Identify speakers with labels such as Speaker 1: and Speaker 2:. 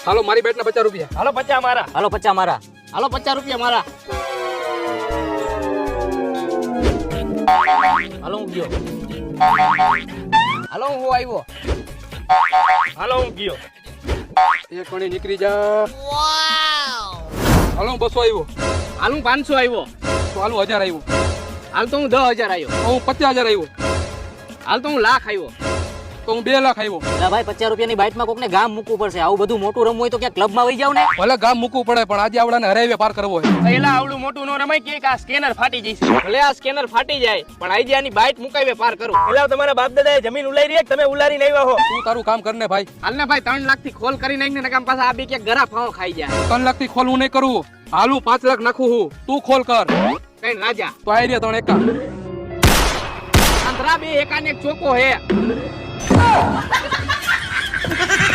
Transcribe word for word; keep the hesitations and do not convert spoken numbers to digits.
Speaker 1: હાલો મારી બેટ ના પચાસ રૂપિયા.
Speaker 2: હાલો પચા મારા.
Speaker 3: હાલો પચાસ મારા.
Speaker 2: હાલો પચાસ રૂપિયા મારા. હાલો હું ગયો. હાલો હું આવ્યો. હાલો હું ગયો.
Speaker 1: એક કોણી નીકળી જા. હાલો હું બસો આવ્યો.
Speaker 2: હાલ હું પાંચસો આવ્યો.
Speaker 1: તો હાલો હજાર આવ્યો.
Speaker 2: હાલ તો હું દસ હજાર આવ્યો.
Speaker 1: તો હું પચાસ હજાર આવ્યો.
Speaker 2: હાલ તો હું લાખ આવ્યો.
Speaker 1: તો હું બે લાખ આવ્યો.
Speaker 3: એટલે ભાઈ પચાસ રૂપિયાની બાઇટમાં કોકને ગામ મૂકવું પડશે. આવું બધું મોટું રમવું હોય તો ક્યાં ક્લબમાં વહી જાવ ને.
Speaker 1: ભલે ગામ મૂકવું પડે પણ આજે આવડાને હરાવે પાર કરવો છે.
Speaker 2: પહેલા આવડું મોટું નો રમાય કે આ સ્કેનર ફાટી જશે. ભલે આ સ્કેનર ફાટી જાય પણ આજે આની બાઇટ મુકાવે પાર કરું. પેલા તમારા બાપ દાદાએ જમીન ઉલારી રે તમે ઉલારી નહીં વાહો.
Speaker 1: તું તારું કામ કરને ભાઈ.
Speaker 2: હાલ ને ભાઈ ત્રણ લાખ થી ખોલ કરી નાખીને નકામ પાછા આ બી કે ગરા ફાવો ખાઈ જાય.
Speaker 1: ત્રણ લાખ થી ખોલ હું નહીં કરું. હાલું પાંચ લાખ નાખું હું. તું ખોલ કર.
Speaker 2: કઈ રાજા
Speaker 1: તો આઈ રહ્યા ત્રણ એકા.
Speaker 2: આંધ્રા બે એકાને એક ચોકો હે.